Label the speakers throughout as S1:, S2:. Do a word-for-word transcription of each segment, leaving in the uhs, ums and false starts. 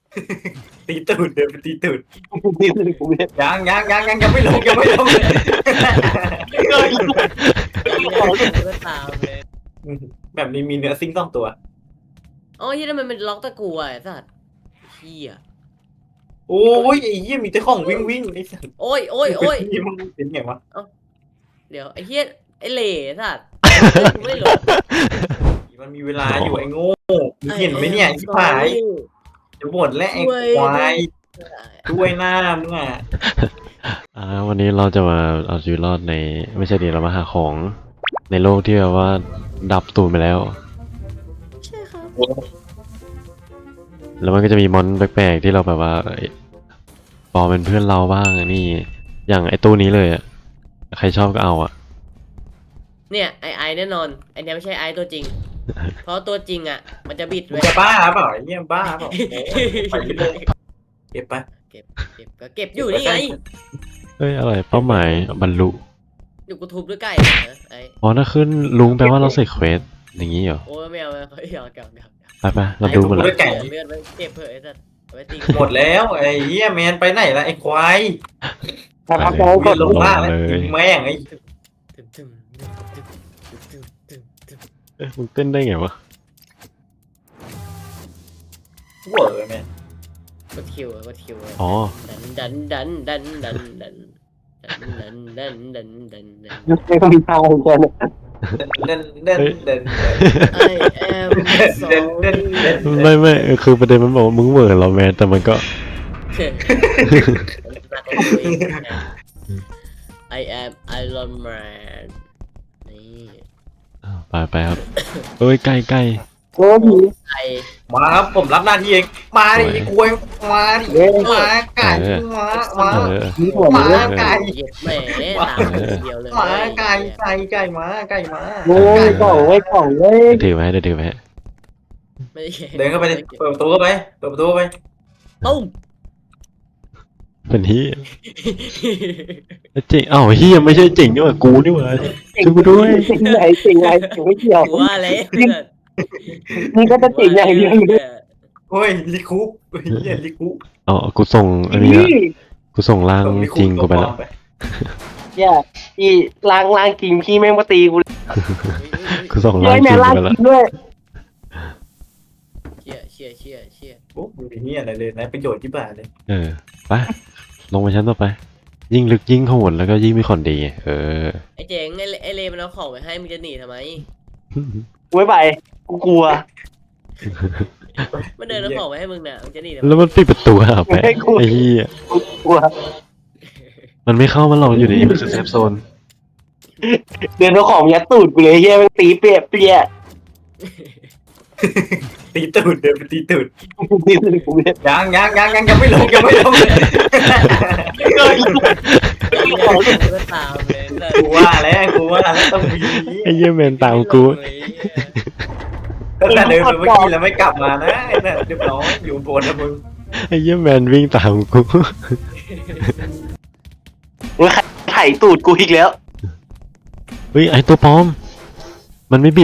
S1: ตีตูดเดินไปตีตูด
S2: นี่คือกูเนี่ย
S1: ยังยังยังยังยังไม่ลงยังไม่ลงเลย
S3: ก็ตามเลย
S1: แบบนี้มีเนื้อซิงค์ต้องตัว
S3: อ๋อที่นั่นมันเป็นล็อกตะกั่วไอ้สัตว์เฮีย
S1: โอ้ยไอ้เหี้ยมีแต่ของวิ่งวิ่งไอ้สัส
S3: โอ้ยโอ้ยโอ้ย
S1: นี่มันเป็นไงวะ
S3: เดี๋ยวไอ้เฮียไอ้เหล่สัตว์กูไม่หลง
S1: มันมีเวลาอยู่ไอ้โง่มึงเห็นไหมเนี่ยไอ้ผายจะบ่นและไอ้ควายด้วยหน้ามึงอ่ะ
S4: อ่าวันนี้เราจะมาเอาชีวิตรอดในไม่ใช่ดิเรามาหาของในโลกที่แบบว่าดับตูนไปแล้ว
S3: ใช่ครับ
S4: แล้วมันก็จะมีมอนแปลกๆที่เราแบบว่าเอ้ยปลอมเป็นเพื่อนเราบ้างอันนี่อย่างไอ้ตู้นี้เลยอ่ะใครชอบก็เอาอ่ะ
S3: เนี่ยไอไอแน่นอนไอเนี้ยไม่ใช่ไอตัวจริง เพราะตัวจริงอ่ะ มันจะบิด
S1: มึ
S3: ไว้
S1: งจะบ้าเปล่าไอ้เหี้ยบ้าเปล่าไปเลยเก็บไป
S3: เก็บเก็บก็เก็บอยู่นี่ไง
S4: เฮ้ยอะไรเป้าหมายบรรลุ
S3: อยู่กูทุบด้วยไก่นะไอ
S4: อ๋อถ้าขึ้นลุงแปลว่าเราเสร็จเควสอย่างนี้เหรอ
S3: โอ้ยไม่เอาไม่เอาไม่เอาเก็บเก็บ
S4: ไปไปเราดูหมดแล้ว
S1: ไก่
S3: เลือดไว้เก็บเผื่อไอ้สัตว์เอาไว้ตี
S1: หมดแล้วไอ้เหี้ยแมนไปไหนละไอ้ควาย
S2: ทำแกงก
S1: ก
S2: ด
S1: ด
S2: ล
S1: ล
S2: ง
S1: งล่างแล้วแม่งไอ้
S3: ตึมตึมตึมตึมตึมตึมตึม
S4: เอ้ยมึงเต้นได้ไงวะ
S1: เวอร์แมน
S3: กดคิวอะกดคิวอะ
S4: อ๋อ
S3: ดันดันดันดันดันดันดันดันดันดันดันดัน
S2: ไม่ต้องมีทางแกเนี่ย
S1: เดินเดินเดิน
S3: I am
S1: เดินเดิน
S3: sorry
S1: เดิน
S4: ไม่ไม่คือประเด็นมันบอกว่ามึงเหมือนเราแมนแต่มันก็
S3: I am Iron Man นี่
S4: ไปไปครับเอ้ยใกล้ใกล้
S2: โอ้ผี
S3: ไอ
S1: มาครับผมรับหน้าที่เองมาดิไอ้กล้วยมาดิมาไก่มามา
S4: เออ
S2: ผีหัว
S1: มา
S2: เลย
S1: ไก่
S3: เหยียดแหม่ตามเดียวเลย
S1: มาไก่ไก่ไก่มาไก่มา
S2: โอ้ยกล่องไว้กล่องเลย
S4: เดี๋ยวถือไว้เดี๋ยวถือไว้
S3: ไม่ได้
S1: เดินเข้าไปดิเปิดประตูเข้าไปเปิดประตูเข้าไป
S3: ตุ้ม
S4: เป็นที่จริงอ้าวเฮียไม่ใช่จริงนี่หว่ากูนี่หว่าช่วยกูด้วย
S2: จริงไหนจริงไหนจริงไม่เกี่ยว
S3: กูว่าแล้ว
S2: นี่ก็จะจริงอย่างเดียวอยู่ด้วย
S1: โอ้ยลิคุปเฮียลิคุป
S4: อ๋อกูส่งอันนี้ละกูส่งร่างจริงกูไปแล้ว
S2: เนี่ยอีล้างล้างกินพี่แม่งมาตีกู
S4: กูส่ง
S2: เล
S4: ร่าง
S2: ย
S4: จ
S2: แม่
S4: ริง
S2: ล้าง
S4: ไปแล้ว
S2: กินด้วย
S3: เชี่ยเชี่ยเชี่ยเชี่ย
S1: โอ้ไม่มีอะไรเลยนะประโยชน์ที่บ้านเลย
S4: เออไปลงไปชั้นต่อไป ยิ่งลึกยิ่งโหดแล้วก็ยิ่งมีคนดีเออ
S3: ไอ้เจ๋งไอ้ไอ้เลมันเอาของไปให้มึงจะหนีทำไม
S2: กูไม่ไปกูกลัว
S3: มันเดินเอาของไปให้มึงน่ะมึงจะหนีทำไม
S4: แล้วมันปิดประตูหาแปะ
S2: ไม่กลัว
S4: ไอ้เหี้ย
S2: กูกลัว
S4: มันไม่เข้ามาหรอกอยู่ในนี้มันคือเซฟโซน
S2: เดินเอาของยัดตูดกูเลยเฮียแม่งตีเปียเปีย
S1: ตีตูดเดินไปตีตูด
S2: นี่คือกูเนี่ย
S1: ยังยังยังยังยังไม่ลงยังไม่ลงเลย
S3: ก็ตามเลย
S1: กูว่าแล้วกูว่าแล้วต้องมี
S4: ไอ้เหี้ยแมนตามกู
S1: ตั้งแต่เดินไปเมื่อกี้แล้วไม่กลับมานะไอ้เนี่ยเรียบร้อยอยู่บนนะมึง
S4: ไอ้เหี้ยแมนวิ่งตามกู
S2: มึงไถ่ตูดกูอีกแล้ว
S4: เฮ้ยไอ้ตัวปลอม มันไม่บิด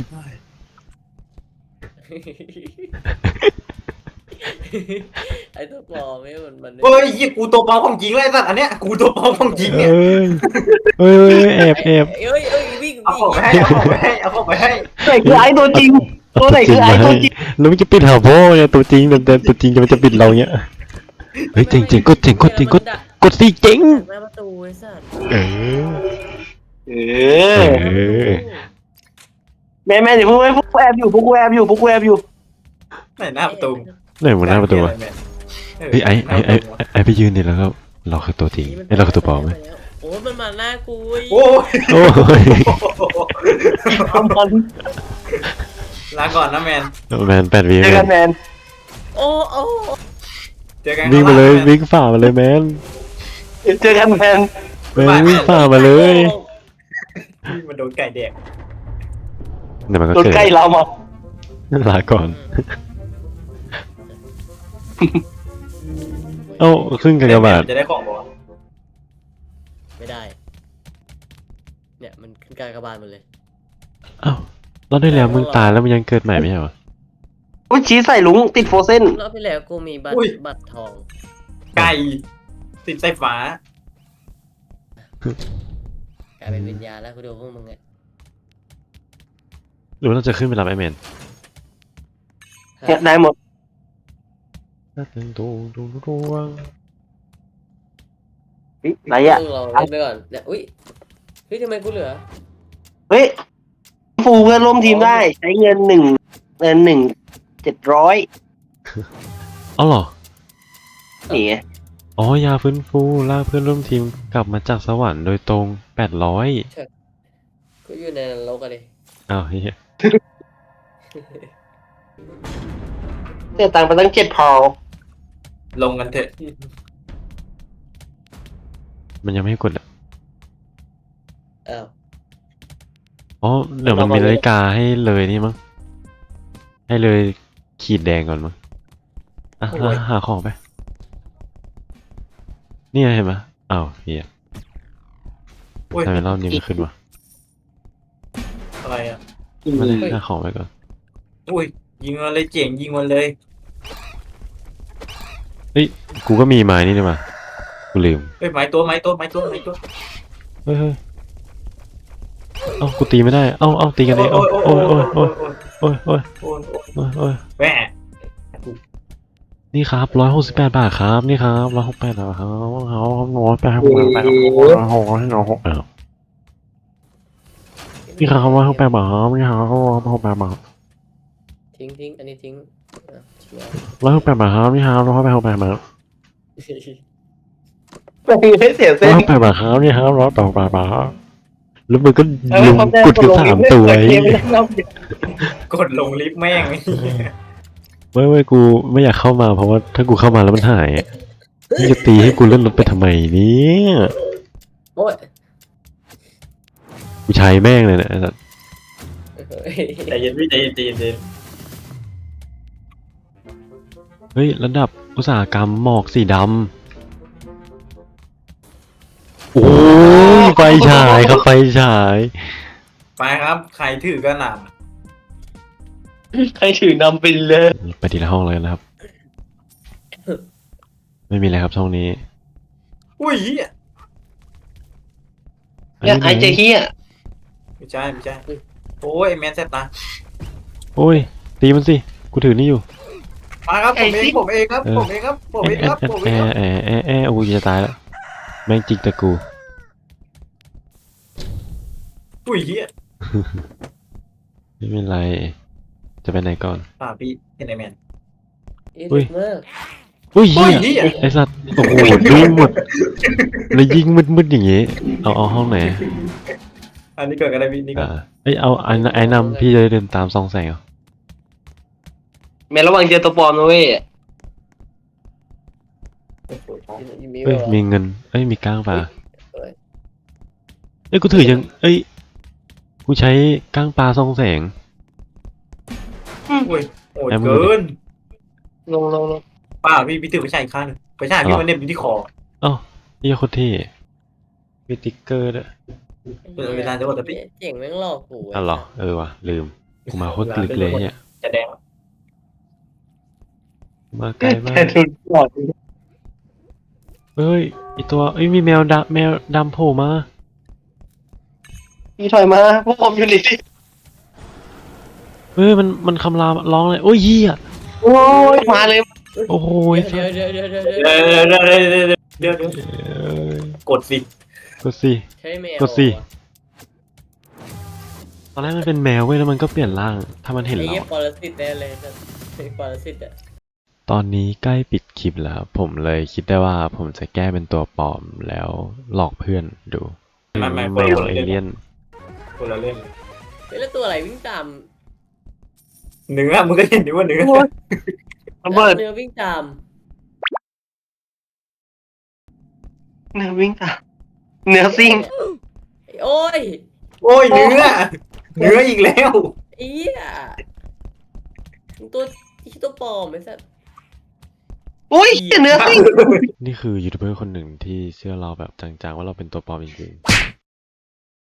S3: ไอ้ตัวปลอมไม่มันมัน
S1: เฮ้ยยี่กูตัวปลอมของจริงเลยไอ้สัตว์อันเนี้ยกูตัวปลอมของจริงเนี่ย
S4: เอ้ยเอ้ยเอ้ยแอบแอบ
S3: เอ้ยเอ้ยวิ่ง
S1: เอา
S3: วิ่ง
S1: ของไปให้เอาของไปให้เอาของไปให้
S2: ไหนคือไอ้ตัวจริง ตัวไหนคือไอ้ตัวจริง
S4: แล้วมันจะปิดหาพ่อเนี่ยตัวจริงแต่ตัวจริงจะมันจะปิดเราเนี่ยเฮ้ยเจ๋งเจ๋งกดเจ๋งกดเจ๋งกดกดสิเจ๋ง
S3: หน้าประตูไอ้สัส
S4: เออ
S2: เอ
S4: เอ
S2: อ
S4: อ
S2: แม่แม่เดี๋ยวพวกพวกกูแอบอยู่พวกกูแอบอยู่พวกกูแอบอยู่
S1: ไหนหน้าประตู
S4: ไหนมันหน้าประตูวะเฮ้ยไอ้ไอ้ไอ้ไอ้ไอ้ไปยืนดิแล้วก็เราคือตัวจริงไอ้เราคือตัวปลอมไหม
S3: โอ้มันมาหน้ากู
S1: โอ้ย
S4: โอ้ย
S2: ทำมัน
S1: ลาก่อนนะแมน
S4: แมนแปดวิ
S2: เจอกันแมน
S3: โอ้โอ้
S1: เจอกัน
S4: วิ่งมาเลยวิ่งฝ่ามาเลยแมน
S2: เจอกันแมน
S4: แมนวิ่งฝ่ามาเลย
S1: มันโดนไก่แดก
S4: เดี๋ยวมันก็
S2: โดน
S4: เกิด
S2: ใกล้เรามา
S4: ลาก่อนเอ้าขึ้นกันกระบาด
S1: จะได้ของบ่
S3: ไม่ได้เนี่ยมันขึ้นกลางกระบาลหมดเลย
S4: เอ้าเราได้แล้วมึงตายแล้วมันยังเกิดใหม่ไม่ใช่เหรอ
S2: อุ้ยชี้ใส่ลุงติดโฟเซน
S3: รอบที่แล้วกูมีบัตรบัตรทอง
S1: ไก่ติดไฟฟ้าก
S3: ลายเป็นวิญญาณแล้วกูดูพวกมึงไง
S4: หรือว่าเราจะขึ้นไปรับไอเมน
S2: เนี่ยได้หมด
S4: ดูดูดูดู
S2: ไหนอ่ะ
S3: มึงลองเล่นไปก่อนเนี่ยอุ้ยเฮ้ยทำไมกูเหลือ
S2: เฮ้ยฟูเพื่อนร่วมทีมได้ใช้เงินหนึ่งเงินหนึ่งเจ็ดร้อย
S4: อ๋อเหรอ
S2: นี่ไง
S4: อ๋อยาฟื้นฟูลากเพื่อนร่วมทีมกลับมาจากสวรรค์โดยตรงแปดร้อย
S3: กูอยู่ในนรกอะดิ
S4: อ้าวเฮีย
S2: เสียตังค์ไปตั้งเจ็ดพอ
S1: ลงกันเถอะ
S4: มันยังไม่ให้กดอ่ะ
S3: อ้าว
S4: อ๋อเดี๋ยวมันมีนาฬิกาให้เลยนี่มั้งให้เลยขีดแดงก่อนมั้งอ่ะหาหาของไปนี่ไงเห็นไหมอ้าวเฮีย
S1: โอ้ย
S4: ทำไมรอบนี้ไม่ขึ้นวะ
S1: อะไรอ่ะ
S4: ไมาเลยหาของไปก่อน
S1: อุ้ยยิงมันเลยเจ๋งยิงมันเลย
S4: เฮ้ยกูก็มีไม้นี่นี่มากูลืม
S1: เฮ้ยไม้ตัวไม้ตัวไม้ตัวไม้ตัว
S4: เฮ้ยเฮ้ยเอ้ากูตีไม่ได้เอ้าเอ้าตีกันเองเอ้าโอ้ยโอ้ยโอ้ยโอ้ยโอ้ย
S1: โอ้ย
S4: โอ้ยโอ้ย
S1: แหว
S4: นี่ครับร้อยหกสิบแปดบาทครับนี่ครับร้อยหกแปดบาทครับเขาร้อยแปดหกแปดหกหกให้เราหกแล้วนี่ครับร้อยหกแปดบาทครับนี่ครับร้อยหกแปดบาท
S3: ทิ้งทิ้งอันนี้ทิ้งอ่ะเชี่ย
S4: ร้อยหกแปดบาทครับนี่ครับร้อยแปดหกแปดบาท
S2: ไม่เสีย
S4: ร้
S2: เส้
S4: อย
S2: น
S4: หกแปดบาทครับนี่ครับร้อยแปดหกแปดบาทแล้วมันก็ลุมกดกันสามตัวไอ้
S1: กดลงลิฟต์แม่ง
S4: ไม่ไม่กูไม่อยากเข้ามาเพราะว่าถ้ากูเข้ามาแล้วมันหายมึงจะตีให้กูเลื่อนรถไปทำไมเนี่ย
S3: โอ้ย
S4: กูใช้แม่งเลยเนี่ยไอ้สัส
S1: ใจเย็นพี่ใจเย็นใจเย็นใจเย็น
S4: เฮ้ยระดับอุตสาหกรรมหมอกสีดำโอ้ยไฟฉายครับไฟฉาย
S1: ไปครับใครถือกระหน่
S2: ใครถือนำไปเลย
S4: ไปทีละห้องเลยนะครับ ไม่มีอะไรครับช่องนี้
S1: ำอุ้ยเหี้ย
S2: เนี่ยไอเจเฮีย
S1: ไม่ใช่ไม่ใช่โอ้ยแมนแซตตา
S4: โอ้ยตีมันสิกูถือนี่อยู่
S1: มาครับผมเองผมเองครับผมเองครับผมเองครับผมเอ
S4: แอง
S1: ครับ
S4: แอแอแอโอ้ยจะตายแล้วแม่งจิกตะกู
S1: อุ้ยเหี้ย
S4: ไม่เป็นไรจะไปไหนก่อน
S1: ป่าพี่เห็นไอแมน
S3: เอ๊ะดึกมาก
S4: อุ้ย
S1: โอ้
S4: เหี้
S1: ย
S4: ย
S1: เหี้ย
S4: ไอ้สัตว์โอ้โหดูหมดแล้วยิงมืดๆอย่างงี้เอาเอาห้องไหน
S1: อันนี้เกิดกันอะไรพี่นี่ก็
S4: อ่าเอ้ยเอาไอ้ไอ้นำพี่จะได้เดินตามซองแสงเหรอ
S2: แม่ระวังเจอตัวปลอมนะเว้ย
S3: มี
S4: เอ้ย
S3: แบบ
S4: มีเงินเอ้ยมีก้างป่า
S3: เอ้ย
S4: เอ้ยกูถือยังเอ้ยกูใช้ก้างปลาซองแสง
S1: อุ้ยโหดเกิน
S2: ลงลงลง
S1: ป้าพี่พี่ถือไปใช้อีกข้างหนึ่งไปใช้พี่มันเน็บอยู่ที่คอ
S4: เอ้านี่โคตรเท่มีติ๊กเกอร์ด้วย
S1: เออเวลาจะหมดแล้วพี่
S3: เจ๋งแม่งหลอกกู
S4: อ๋อเหรอเออว่ะลืมกูมาโคตรลึกเลยเนี่ย
S1: จะแดง
S4: มาไกลมา
S2: แต่
S4: ก
S2: ดูปลอด
S4: เอ้ยไอตัวเอ้ยมีแมวดำแมวดำโผล่มา
S2: พี่ถอยมาพวกผมอยู่นี่
S4: เอ้ยมันมันคำรามร้องเลยโอ้ยเหี้ย
S2: โอ้ยมาเลย
S4: โอ้โห
S3: เดี๋ยวเดี๋ยวเดี๋ยวเดี๋ยวเดี๋ยว
S1: เดี๋ยวเดี๋ยวเดี๋ยวเดี๋ยวเดี๋ยว
S4: เอ้ย
S1: กดสิ
S4: กดสิ
S3: ใช่แมว
S4: กดสิ ตอนแรกมันเป็นแมวเว้ยแล้วมันก็เปลี่ยนร่างถ้ามันเห็น
S3: ไอ้
S4: เรา
S3: เหี้ย
S4: อะ
S3: ปรสิตแน่เลยนะไอ้ปรสิตอ่ะ
S4: ตอนนี้ใกล้ปิดคลิปแล้ว ผมเลยคิดได้ว่าผมจะแก้เป็นตัวปลอมแล้วหลอกเพื่อนดู
S1: ไม่ไม่
S4: แมวเอเลี่ยน
S1: คนละเรื่อง
S3: เฮ้ยแล้วตัวอะไรวิ่งตาม
S1: เนื้อมึงก็เห็นดิว่าเนื้อ
S2: ระเบิด
S3: เนื้อวิ่งตาม
S2: เนื้อวิ่งตามเนื้อซิ่ง
S3: โอ้ย
S1: โอ้ยเนื้อเนื้ออีกแล้ว
S3: ไอ้เหี้ยตัวที่ตัวปลอมไอ้สัส
S2: อุ้ยเนื้อซิ่ง
S4: นี่คือยูทูบเบอร์คนหนึ่งที่เชื่อเราแบบจังๆว่าเราเป็นตัวปลอมจริง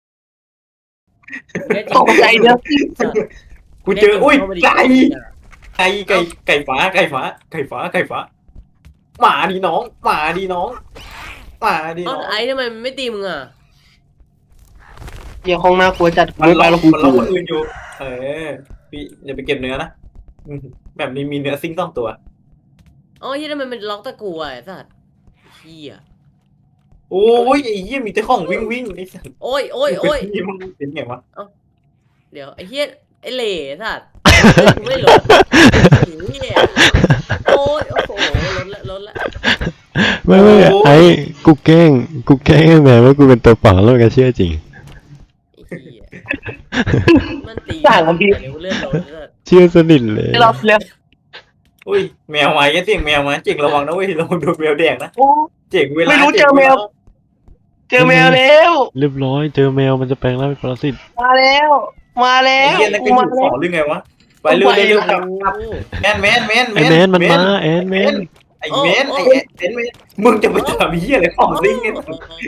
S2: ตกใจเนื้อซิ่ง
S1: กูเจออุ้ยไก่ไก่ไก่ไก่ฟ้าไก่ฟ้าไก่ฟ้าไก่ฟ้าหมาดีน้องหมาดีน้องหมาดี
S3: เอ้า
S1: น้อง
S3: ไอ้ทำไมมันไม่ตีมึงอ่ะ
S2: เหี้ยห้องน่ากลัวจัด
S1: มัน
S2: ไม่ไป
S1: ล็อก
S2: แล้วกู
S1: มันล็อกคนอื่นอยู่ เออพี่อย่าไปเก็บเนื้อนะอืมแบบนี้มีเนื้อซิงต้องตัว
S3: อ๋อเฮียทำไมมันล็อกตะกูอ่ะไอ้สัตว์เฮีย
S1: โอ้ยไอ้เหี้ยมีแต่ของวิ่งวิ่งไอ้สัส
S3: โอ้ยโอ้ยโอ้ย
S1: นี่มันเป็นไงวะ
S3: เดี๋ยวไอ้เฮียไอ้เหล่สัตว์กูไม่หลบเฮียโอ้ยโอ้โหล้นละล้นละ
S4: ไม่ไม่ไอ้กูแกล้งกูแกล้งให้แม่ว่ากูเป็นตัวเปล่าแล้วมันก็เชื่อจริง
S3: ไอ้เฮียมันตีเดี๋ยวเลือดล้นเลย
S4: เชื่อสนิทเลย
S2: เราเร็ว
S1: อุ้ยแมวมาแค่เสียงแมวมาเจ๋งระวังนะเว้ยระวังโดนแมวแดงนะ
S2: โอ้
S1: เจ๋งเวลา
S2: ไม่รู้เจอแมว เจอแมวแล้ว
S4: เรียบร้อยเจอแมวมันจะแปลงร่างเป็นปรสิต
S2: มาแล้ว มาแล้
S1: ไอ้
S2: ว
S1: เหี้ยนั่นก็อ
S2: มา
S1: ยู่
S2: แล้
S1: ข
S2: ว
S1: อหรือไงวะไปเร็วเร็วเร็วกลับกลับแมนแมนแมน
S4: ไอ้แมนมันมาแอนแมน
S1: ไอ้แมนไอ้แอนแมนมึงจะไปทำเหี้ยอะไรของซิงเนี่ย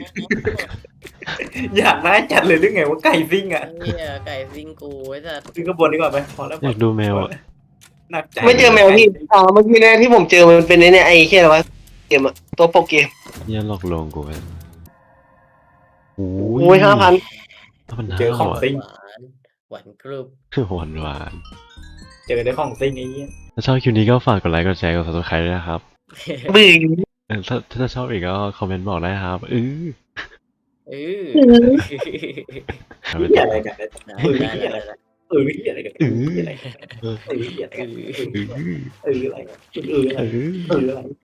S1: อยากได้จัดเลยหรือไงว่าไก่ซิงอ่ะ
S3: เฮียไก่ซิงกูไอ้สัตว์
S1: ขึ้นข้างบนดีกว่าไปพอแล้ว
S4: อยากดูแมวอ่ะ
S1: หนักใจ
S2: ไม่เจอแมวพี่อ่าเมื่อกี้เนี่ยที่ผมเจอมันเป็นไอ้เนี่ยไอ้แค่อะไรวะเกมอะตัวโปรเกม
S4: เนี่ยหลอกลวงกูไปโอ้
S2: โอ้ยห้าพัน
S4: พัน
S1: เจอของซิง
S3: หวานหวานกรุบ
S4: หวานหวาน
S1: เจอได้ของซิงไอ้เหี้ย
S4: ถ้าชอบคลิปนี้ก็ฝากกดไลค์กดแชร์กด subscribe ด้วยนะครับ
S2: บึ้ง
S4: เออถ้าถ้าชอบอีกก็คอมเมนต์บอกได้ครับเออ
S3: เออ
S4: เอาไป
S1: เหี้ย
S4: ต่อ
S1: อะไรกัน
S3: ได้ได้ได้ได้
S1: เออเหี้ยอะไรกันเออเหี้ยอะไรกันเออเหี้ยอะไรกันเออเหี้ยอะไรกันเอออะไรกันเอออะไร
S4: เออ
S1: เอออะไร